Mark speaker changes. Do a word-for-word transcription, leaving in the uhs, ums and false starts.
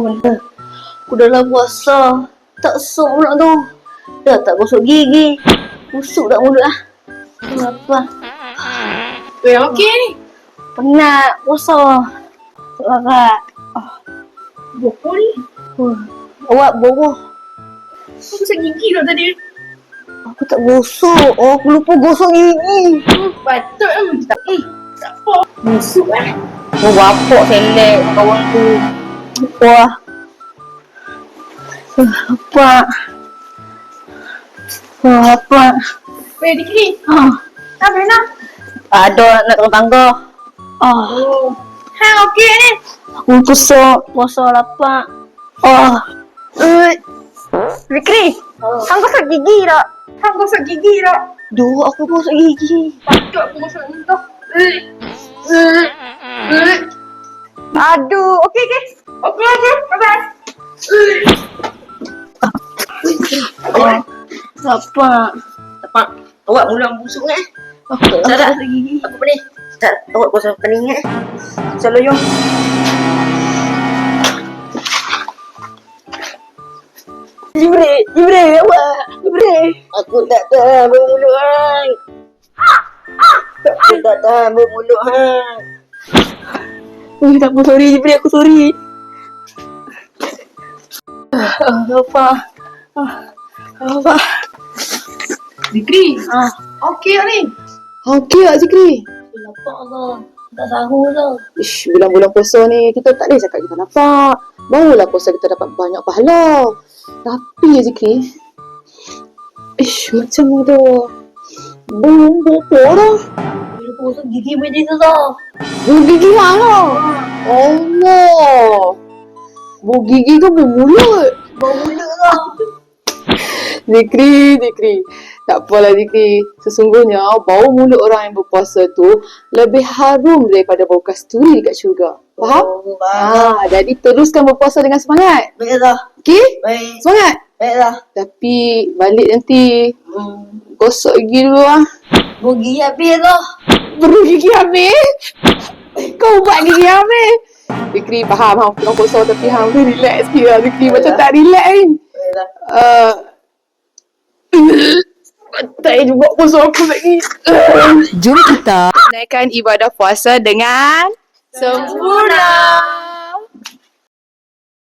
Speaker 1: benda. Aku dah lah puasa. Tak sok pula tu. Dah tak gosok gigi. Busuk dah mulut lah. Kenapa?
Speaker 2: Eh, okey ni.
Speaker 1: Penat puasa. Tak larat.
Speaker 2: Bokor ni.
Speaker 1: Uh, awak bodoh.
Speaker 2: Aku gosok gigi dah tadi.
Speaker 1: Aku tak gosok. Oh, aku lupa gosok gigi.
Speaker 2: Hmm, patut lah. Tak, hmm, tak apa. Busuk lah.
Speaker 1: Oh, bapak selek kawan tu. Wah. Uh, apa? Wah, apa?
Speaker 2: Weh, Dikri.
Speaker 1: Ah,
Speaker 2: Ha, Brenda.
Speaker 1: ada nak turun tangga. Ah,
Speaker 2: Oh. Ha, okey ni.
Speaker 1: aku kusuk. Puasa lapar. Ah.
Speaker 2: Eh, Dikri.
Speaker 1: Oh.
Speaker 2: Hang gosok gigi tak? Hang gosok gigi tak?
Speaker 1: Duh, aku gosok gigi.
Speaker 2: Patut aku gosok entah. Eh. Eh. Eh. Aduh, okey okey. Okey okey. Bye-bye. Eh.
Speaker 1: Oh, lapar.
Speaker 3: Apa? Awak mula busuk eh?
Speaker 1: Aku tak
Speaker 3: Tak, tak.
Speaker 1: gosok gigi.
Speaker 3: Aku boleh. Tak, awak gosok pening eh? Selalu jom.
Speaker 1: Jibril, Jibril, awak. Jibril.
Speaker 3: Aku tak tahan bermulut hang. Aku tak tahan bermulut hang.
Speaker 1: Oh, tak apa, sorry Jibril, aku sorry. Ah, lapar. Ah, lapar.
Speaker 2: Dikri.
Speaker 1: Ah,
Speaker 2: Okey ni.
Speaker 4: Okey tak Zikri?
Speaker 1: lapar lah. Tak sahur lah.
Speaker 4: Ish, bulan-bulan puasa ni kita tak boleh cakap kita lapar. Barulah puasa kita dapat banyak pahala. Tapi ya Zikri, ish, macam tu. Belum bopor dah.
Speaker 1: Bila gosok gigi boleh susah.
Speaker 4: Bulu gigi mana? Allah. Bulu gigi ke bulu mulut?
Speaker 1: Bau mulut lah.
Speaker 4: Zikri, Zikri. Tak apalah Zikri. Sesungguhnya bau mulut orang yang berpuasa tu lebih harum daripada bau kasturi dekat syurga. Faham?
Speaker 1: Oh, faham.
Speaker 4: Ha, jadi teruskan berpuasa dengan semangat.
Speaker 1: Baiklah.
Speaker 4: Okey?
Speaker 1: Baik.
Speaker 4: Semangat.
Speaker 1: Baiklah.
Speaker 4: Tapi balik nanti
Speaker 1: Hmm.
Speaker 4: gosok gigi dulu lah.
Speaker 1: Bau gigi habis lah.
Speaker 4: Baru gigi habis. Kau buat gigi habis. Zikri faham hang tengah puasa tapi hang tu relax sikit lah Zikri. Macam tak relax kan?
Speaker 1: Baiklah.
Speaker 4: Uh, tak juga puasa aku lagi.
Speaker 5: Jom kita
Speaker 4: Naikkan ibadah puasa dengan
Speaker 2: Sempurna.